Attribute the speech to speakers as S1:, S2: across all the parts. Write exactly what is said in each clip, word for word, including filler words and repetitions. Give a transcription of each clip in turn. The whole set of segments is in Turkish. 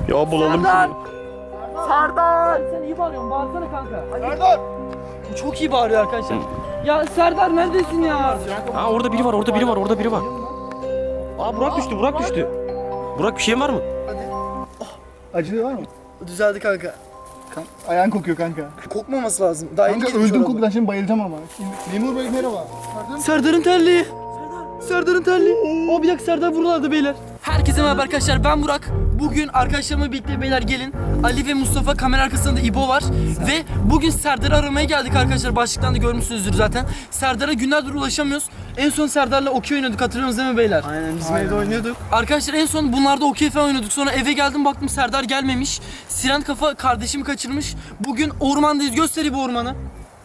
S1: Ya bulalım
S2: Serdar!
S1: şunu.
S2: Serdar! Sen iyi bağırıyorsun, bağırsana kanka.
S3: Serdar!
S2: Çok iyi bağırıyor arkadaşlar. Ya Serdar neredesin ya?
S1: Ha orada biri var, orada biri var, orada biri var. Aa Burak düştü, Burak düştü. Burak bir şeyin var mı?
S3: Acılı var mı?
S2: Düzeldi kanka.
S3: Kan ayağın kokuyor kanka.
S2: Kokmaması lazım. Daha
S3: Kanka öldüm kokudan şimdi bayılacağım ama. Memur Bey merhaba.
S2: Serdar'ın terliği. Serdar'ın terliği. O bir dakika Serdar buralarda beyler. Herkese merhaba arkadaşlar, ben Burak. Bugün arkadaşlarımla birlikte beyler gelin. Ali ve Mustafa, kamera arkasında da İbo var. Ve bugün Serdar'ı aramaya geldik arkadaşlar. Başlıktan da görmüşsünüzdür zaten. Serdar'a günlerdir ulaşamıyoruz. En son Serdar'la okey oynadık, hatırlıyorsunuz değil mi beyler?
S3: Aynen bizim evde oynuyorduk.
S2: Arkadaşlar en son bunlarda okey falan oynuyorduk. Sonra eve geldim, baktım Serdar gelmemiş. Siren kafa kardeşimi kaçırmış. Bugün ormandayız. Göster bu ormanı.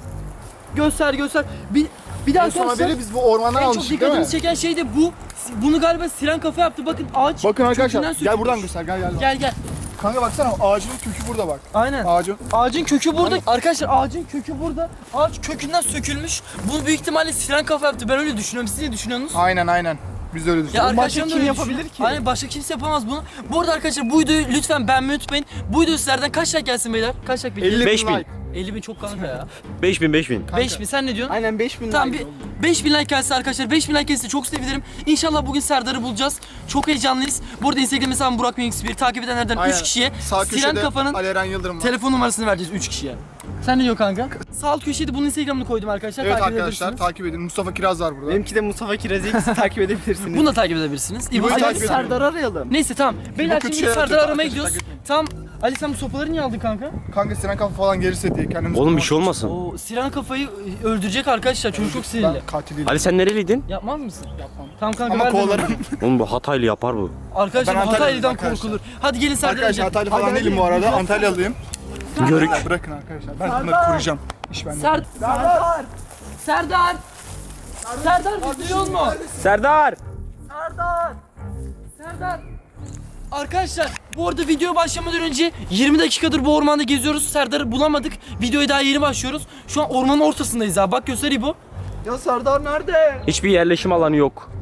S2: Göster göster. Bir, bir daha
S3: En son
S2: arkadaşlar.
S3: haberi biz bu ormandan
S2: En çok
S3: almıştık değil mi?
S2: dikkatimizi çeken şey de bu. Bunu galiba siren kafa yaptı. Bakın ağaç.
S3: Bakın arkadaşlar
S2: kökünden
S3: gel
S2: sökülmüş.
S3: buradan göster gel gel.
S2: Gel gel.
S3: Kanka baksana ağacın kökü burada bak.
S2: Aynen.
S3: Ağacın.
S2: Ağacın kökü burada. Arkadaşlar ağacın kökü burada. Ağaç kökünden sökülmüş. Bu büyük ihtimalle siren kafa yaptı. Ben öyle düşünüyorum. Siz ne düşünüyorsunuz?
S3: Aynen aynen. Biz de öyle
S2: Ya
S3: düşünüyoruz.
S2: arkadaşlarım da
S3: kim
S2: öyle
S3: yapabilir
S2: düşünüyor.
S3: ki?
S2: Aynen, başka kimse yapamaz bunu. Bu arada arkadaşlar bu videoyu lütfen beğenmeyi unutmayın. Bu video sizlerden kaç like gelsin beyler? Kaç like bekliyorsunuz?
S1: Beş bin.
S2: elli bin çok kanka ya.
S1: beş bin, beş bin.
S2: beş bin, sen ne diyorsun?
S3: Aynen beş bin
S2: Tamam, bir beş bin like gelse arkadaşlar, beş bin like gelse çok sevinirim. İnşallah bugün Serdar'ı bulacağız. Çok heyecanlıyız. Bu arada Instagram hesabım Burak Mix bir, takip edenlerden
S3: Aynen.
S2: üç kişiye
S3: Sağ
S2: Siren
S3: köşede
S2: Kafa'nın
S3: Ali Eren Yıldırım var.
S2: telefon numarasını vereceğiz üç kişiye. Sen ne diyorsun kanka? Sağ alt köşeye de bunun Instagram'ını koydum arkadaşlar.
S3: Evet
S2: takip
S3: arkadaşlar
S2: edebilirsiniz.
S3: takip edin. Mustafa Kiraz var burada.
S4: Benimki de Mustafa Kiraz'ı takip edebilirsiniz.
S2: Bunu da takip edebilirsiniz. İbo'yu
S3: Ali
S2: takip
S3: takip
S2: edin.
S3: ediyorum.
S4: arayalım.
S2: Neyse tamam. Beyler
S3: kötü
S2: şimdi
S3: şeyler
S2: Serdar'ı
S3: yapacak
S2: aramaya
S3: arkadaşlar,
S2: gidiyoruz. Tamam. Ali sen bu sopaları niye aldın kanka?
S3: Kanka Sinan kafa falan gelirse diye kendimiz...
S1: Oğlum bir şey olmasın.
S2: O Siren kafayı öldürecek arkadaşlar. Çocuk çok sinirli.
S3: Ben katil değilim.
S1: Ali sen nereliydin?
S2: Yapmaz mısın?
S3: Yapmam.
S2: Tamam kanka
S3: Ama
S2: ver bana.
S3: kovalarım.
S1: Oğlum bu Hataylı yapar bu.
S2: Arkadaşlar
S3: Ben Antalyalıyım
S2: Hataylı'dan
S3: arkadaşlar.
S2: korkulur. Hadi gelin Serdar'a
S3: Arkadaşlar
S2: gidelim.
S3: Hataylı falan değilim bu arada. Antalyalıyım.
S1: Görük.
S3: Bırakın arkadaşlar. Ben bunları koruyacağım. İş bende.
S2: Ser Serdar! Serdar! Serdar bizi duyuyor mu?
S1: Serdar!
S2: Serdar! Serdar! Arkadaşlar bu arada video başlamadan önce yirmi dakikadır bu ormanda geziyoruz. Serdar'ı bulamadık. Videoya daha yeni başlıyoruz. Şu an ormanın ortasındayız abi. Bak göster İbo.
S4: Ya Serdar nerede?
S1: Hiçbir yerleşim alanı yok.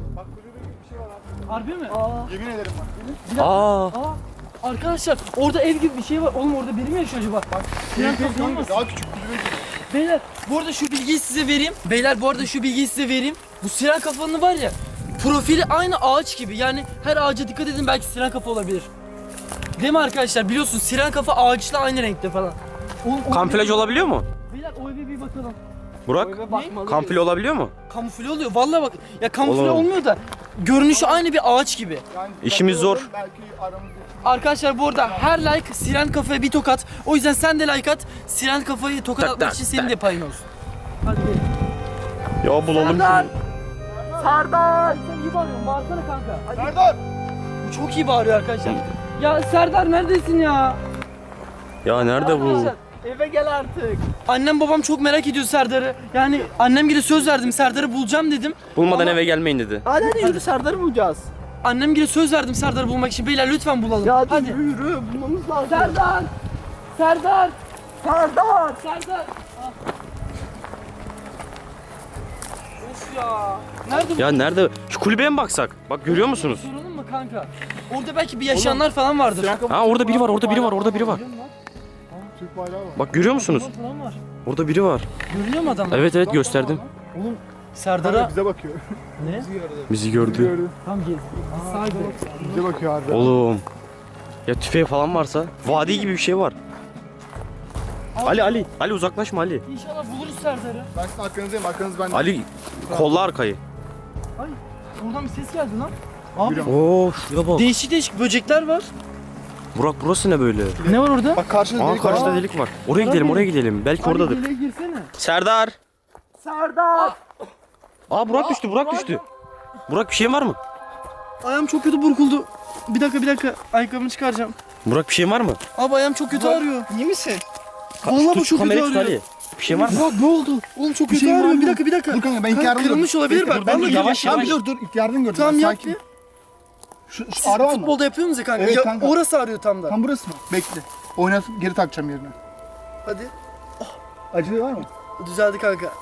S2: Harbi mi?
S3: Yemin ederim bak.
S1: Aa.
S2: Aa, arkadaşlar orada ev gibi bir şey var. Oğlum orada biri mi yaşıyor acaba? Bak. Siren kafa olmasın?
S3: Daha küçük kulübe.
S2: Beyler bu arada şu bilgiyi size vereyim. Beyler bu arada şu bilgiyi size vereyim. Bu siren kafanın var ya, profili aynı ağaç gibi. Yani her ağaca dikkat edin, belki siren kafa olabilir. Değil mi arkadaşlar? Biliyorsun siren kafa ağaçla aynı renkte falan. Oğlum, o
S1: Kamuflaj
S2: eve-
S1: olabiliyor mu?
S2: Beyler o eve bir bakalım.
S1: Burak? Kamufle olabiliyor mu?
S2: Kamufle oluyor. Vallahi bak. Ya kamufle
S1: Oğlum.
S2: olmuyor da görünüşü aynı bir ağaç gibi.
S3: Yani
S1: İşimiz
S3: belki
S1: zor.
S3: olur, Belki aramızda.
S2: Arkadaşlar bu arada her like siren kafaya bir tokat. O yüzden sen de like at. Siren kafayı tokat
S1: Tak,
S2: atmak
S1: tak,
S2: için senin
S1: tak.
S2: de payın olsun. Hadi gelin.
S1: Ya bulalım
S2: Serdar!
S1: şunu.
S2: Serdar! Sen iyi bağırıyorsun. Bağırsana kanka. Hadi.
S3: Serdar!
S2: Bu çok iyi bağırıyor arkadaşlar. Ya Serdar neredesin ya?
S1: Ya nerede bu?
S2: Arkadaşlar,
S4: Eve gel artık.
S2: annem babam çok merak ediyor Serdar'ı. Yani annem gibi söz verdim, Serdar'ı bulacağım dedim.
S1: Bulmadan
S2: Ama-
S1: eve gelmeyin dedi.
S4: Hadi hadi yürü Serdar'ı bulacağız.
S2: Annem gibi söz verdim Serdar'ı bulmak için. Beyler lütfen bulalım.
S4: Ya hadi,
S2: hadi.
S4: yürü yürü bulmamız lazım.
S2: Serdar! Serdar!
S4: Serdar!
S2: Serdar! Ah. Of ya. Nerede bu?
S1: Ya nerede? Şu kulübeye mi baksak? Bak görüyor musunuz?
S2: Soralım mı kanka? Orada belki bir yaşayanlar falan vardır.
S3: Sinan kafa
S1: Ha orada biri var, orada biri var, orada biri var.
S3: Türk bayrağı var.
S1: Bak görüyor musunuz?
S2: Adamlar falan var.
S1: Orada biri var.
S2: Görünüyor mu adamlar?
S1: Evet evet gösterdim.
S2: Oğlum
S3: Kanka
S2: Serdar'a
S3: bize bakıyor.
S2: ne?
S1: Bizi gördü.
S3: Gördü.
S2: Tam gez. Sağ gidelim.
S3: Bize bakıyor harbi.
S1: Oğlum. Ya tüfeği falan varsa. Vadi gibi bir şey var. Ali Ali. Ali uzaklaşma Ali.
S2: İnşallah buluruz Serdar'ı.
S3: Ben sizin arkanızdayım. Arkanız bende.
S1: Ali kolla arkayı.
S2: Ay, oradan bir ses geldi lan. Abi
S3: Yürü.
S1: Oo şuraya bak.
S2: değişik değişik böcekler var.
S1: Burak burası ne böyle?
S2: Ne var orada?
S3: Bak karşınızda
S1: Aa
S3: delik var.
S1: karşıda delik var. Oraya gidelim, oraya gidelim. Belki oradadır.
S2: Hadi deliğe girsene.
S1: Serdar.
S4: Serdar!
S1: Aa Burak düştü, Burak düştü. Burak bir şeyin var mı?
S2: Ayağım çok kötü burkuldu. Bir dakika bir dakika. Ayakkabımı çıkaracağım.
S1: Burak bir şeyin var mı?
S2: Abi ayağım çok kötü ağrıyor.
S4: İyi misin?
S2: Vallahi bu
S1: Tut,
S2: çok kötü
S1: kamerayı tut
S2: ağrıyor.
S1: Ali. Bir şey var mı?
S2: Burak ne oldu? Oğlum çok kötü
S3: şey var
S2: ağrıyor.
S3: mı?
S2: Bir dakika bir dakika.
S3: Dur kanka ben ilk
S2: Kanka,
S3: yardım
S2: kırılmış olabilir bak.
S3: Ben
S2: Vallahi
S1: yavaş,
S3: Tamam
S1: yavaş.
S3: dur dur ilk yardım gördüm.
S2: Tamam
S3: ben,
S2: yap
S3: sakin.
S2: bir.
S3: Şu, şu
S2: Siz
S3: ağrı var mı?
S2: futbolda yapıyor musunuz kanka?
S3: Evet
S2: Ya,
S3: kanka.
S2: orası ağrıyor tam da.
S3: Tam burası mı? Bekle. Oynatıp geri takacağım yerine.
S2: Hadi.
S3: Acılı var mı?
S2: Düzeldi kanka.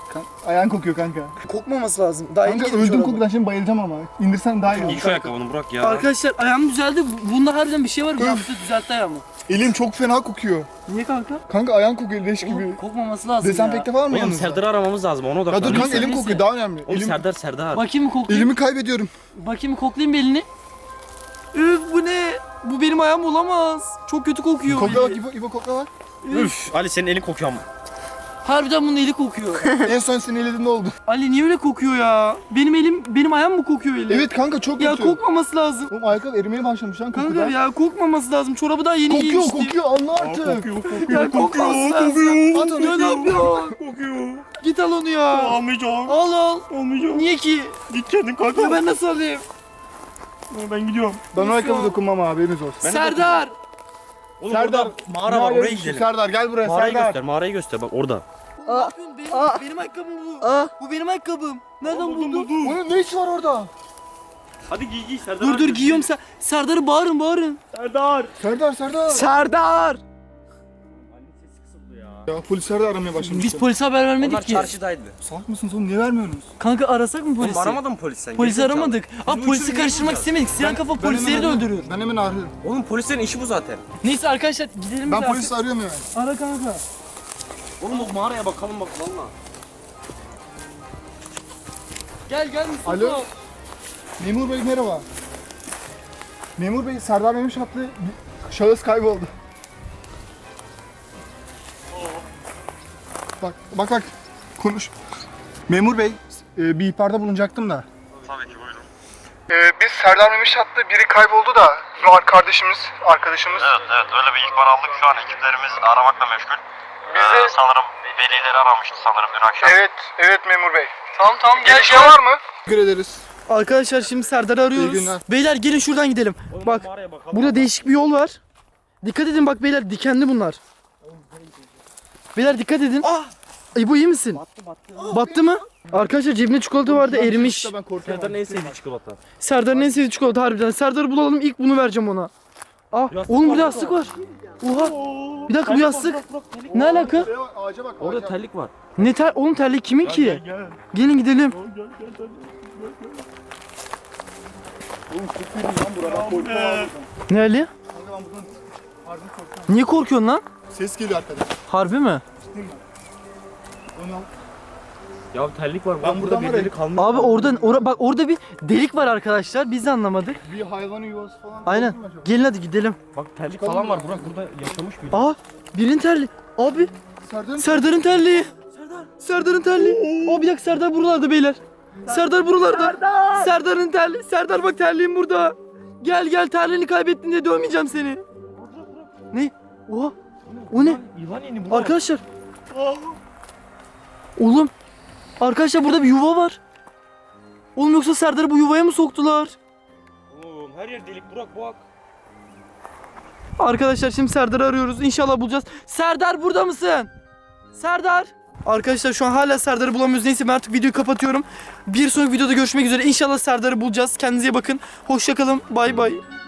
S3: Kan- ayağın kokuyor kanka.
S2: Kokmaması lazım. Daha yeni
S3: Kanka
S2: giydim
S3: öldüm
S2: çorabı.
S3: kokudan şimdi bayılacağım ama. İndirsen daha iyi olur.
S1: İlk şu ayakkabını Burak ya.
S2: Arkadaşlar ayağım düzeldi. Bunda harbiden bir şey var. Burak bize düzeltti ayağımı.
S3: Elim çok fena kokuyor.
S2: Niye kanka?
S3: Kanka ayağın kokuyor leş gibi.
S2: Oğlum, kokmaması lazım
S3: Dezenfekte
S2: ya.
S3: var mı
S1: Oğlum
S3: yanınızda?
S1: Serdar'ı aramamız lazım ona
S3: Ya dur
S1: odaklan.
S3: kanka
S2: Neyse,
S3: elim
S2: neyse.
S3: kokuyor daha önemli.
S1: Oğlum
S3: Elim,
S1: Serdar Serdar.
S2: Bakayım mı koklayayım?
S3: elimi kaybediyorum.
S2: Bakayım mı koklayayım bir elini? Üf bu ne? Bu benim ayağım olamaz. Çok kötü kokuyor.
S3: Kokla bak
S2: eli.
S3: İbo, İbo kokla bak.
S1: Üf Ali senin elin kokuyor ama.
S2: Harbiden bunun eli kokuyor.
S3: En son senin elinde oldu.
S2: Ali niye öyle kokuyor ya? Benim elim, benim ayağım mı kokuyor eli?
S3: Evet kanka çok
S2: Ya
S3: kötü.
S2: kokmaması lazım.
S3: Oğlum ayakkabı erimeye başlamış lan
S2: Kanka
S3: kokudan.
S2: ya kokmaması lazım. Çorabı daha yeni
S3: Kokuyor
S2: giymiştim.
S3: kokuyor anla artık.
S2: Ya kokmaması lazım.
S3: At onu.
S2: Ya ne yapıyorsun?
S1: Kokuyor.
S2: Git al onu ya.
S1: Almayacağım.
S2: Al al.
S1: Almayacağım.
S2: Niye ki?
S1: Git kendin kanka.
S2: Ya ben nasıl alayım?
S1: Ben gidiyorum.
S3: Ben o ayakkabı dokunmam abi haberiniz olsun.
S2: Serdar.
S1: Oğlum
S3: Serdar,
S1: orada mağara var oraya gidelim.
S3: Serdar gel buraya
S1: Mağarayı
S3: Serdar.
S1: göster mağarayı göster bak orada.
S2: Ne yapıyorsun? Benim,
S4: Aa.
S2: benim ayakkabım bu.
S4: Aa.
S2: Bu benim ayakkabım. Nereden buldun?
S3: Onun ne işi var orada?
S1: Hadi giy giy Serdar.
S2: Dur dur giyiyorum sen. Serdar'ı bağırın bağırın.
S1: Serdar.
S3: Serdar Serdar.
S4: Serdar.
S1: Ali'nin sesi kısıldı ya.
S3: Ya polisler de aramaya başlamışlar.
S2: Biz polise haber vermedik
S1: Onlar
S2: ki.
S1: çarşıdaydı.
S3: Salak mısınız oğlum niye vermiyorsunuz?
S2: Kanka arasak mı polisi?
S1: Oğlum aramadın mı polis sen?
S2: Polisi
S1: Gerizekalı.
S2: aramadık.
S1: Biz
S2: Abi
S1: bu
S2: polisi
S1: üçünü
S2: karıştırmak
S1: niye bulacağız?
S2: istemedik. Sinan kafa
S3: Ben
S2: polisleri de
S3: hemen-
S2: öldürüyor.
S3: Ben hemen arıyorum.
S1: Oğlum polislerin işi bu zaten.
S2: Neyse arkadaşlar gidelim
S3: Ben
S2: biz
S3: polisi arıyorum hemen.
S2: artık. Ara kanka.
S1: Oğlum o mağaraya bakalım bak valla.
S2: Gel gel Mustafa.
S3: Alo. Memur Bey merhaba. Memur Bey Serdar Memiş adlı bir şahıs kayboldu. Bak bak bak konuş. Memur Bey e, bir ihbarda bulunacaktım da.
S5: Tabii ki buyurun.
S3: Ee, biz Serdar Memiş adlı biri kayboldu da var kardeşimiz, arkadaşımız.
S5: Evet evet öyle bir ihbar aldık. Şu an ekiplerimiz aramakla meşgul. Ee, sanırım velileri aramıştı sanırım dün akşam.
S3: Evet, evet memur bey.
S2: Tamam tamam gel
S3: Gelişme
S2: gel.
S3: var mı? Teşekkür ederiz.
S2: Arkadaşlar şimdi Serdar'ı arıyoruz.
S3: İyi günler.
S2: Beyler gelin şuradan gidelim. Bak
S1: Mağaraya bakalım.
S2: burada değişik bir yol var. Dikkat edin bak beyler dikenli bunlar. Beyler dikkat edin. Ah! İbo iyi misin? Battı battı. Battı mı? Arkadaşlar cebinde çikolata vardı erimiş.
S3: Ben korkuyorum.
S1: Serdar'ın en sevdiği çikolata.
S2: Serdar'ın en sevdiği çikolata harbiden. Serdar'ı bulalım ilk bunu vereceğim ona. Ah
S1: Yastık
S2: oğlum
S1: var
S2: burada
S1: burada.
S2: yastık var. Oha. Bir dakika bu yastık. Ne alaka?
S3: Şuraya bak, ağaca bak.
S1: Orada
S3: ağaca.
S1: terlik var.
S2: Ne ter oğlum terlik kimin ki? Gelin gidelim. Ne Ali?
S3: Kanka ben buradan harbi korkuyorum.
S2: Niye korkuyorsun lan?
S3: Ses geliyor arkadan.
S2: Harbi mi?
S3: Onu al.
S1: Ya terlik var.
S3: Ben buradan var ya-
S1: kalmış.
S2: Abi oradan ora, bak orada bir delik var arkadaşlar. Biz de anlamadık.
S3: Bir hayvanın yuvası falan.
S2: Aynen.
S3: oldu mu acaba?
S2: Gelin hadi gidelim.
S1: Bak terlik falan var. Burak burada yaşamış biri.
S2: Aa birinin terliği. Abi
S3: Serdar'ın
S2: Serdar'ın terliği. Serdar. Serdar'ın terliği. Aa bir dakika Serdar buralarda beyler. Serdar buralarda.
S4: Serdar.
S2: Serdar'ın terliği. Serdar bak terliğim burada. Gel gel terliğini kaybettin diye dövmeyeceğim seni. Ne? Oha. O ne?
S1: Yılan yeni bu.
S2: Arkadaşlar. Oğlum. Arkadaşlar burada bir yuva var. Oğlum yoksa Serdar'ı bu yuvaya mı soktular?
S1: Oğlum her yer delik Burak bak.
S2: Arkadaşlar şimdi Serdar'ı arıyoruz. İnşallah bulacağız. Serdar burada mısın? Serdar. Arkadaşlar şu an hala Serdar'ı bulamıyoruz. Neyse ben artık videoyu kapatıyorum. Bir sonraki videoda görüşmek üzere. İnşallah Serdar'ı bulacağız. Kendinize iyi bakın. Hoşça kalın. Bay bay.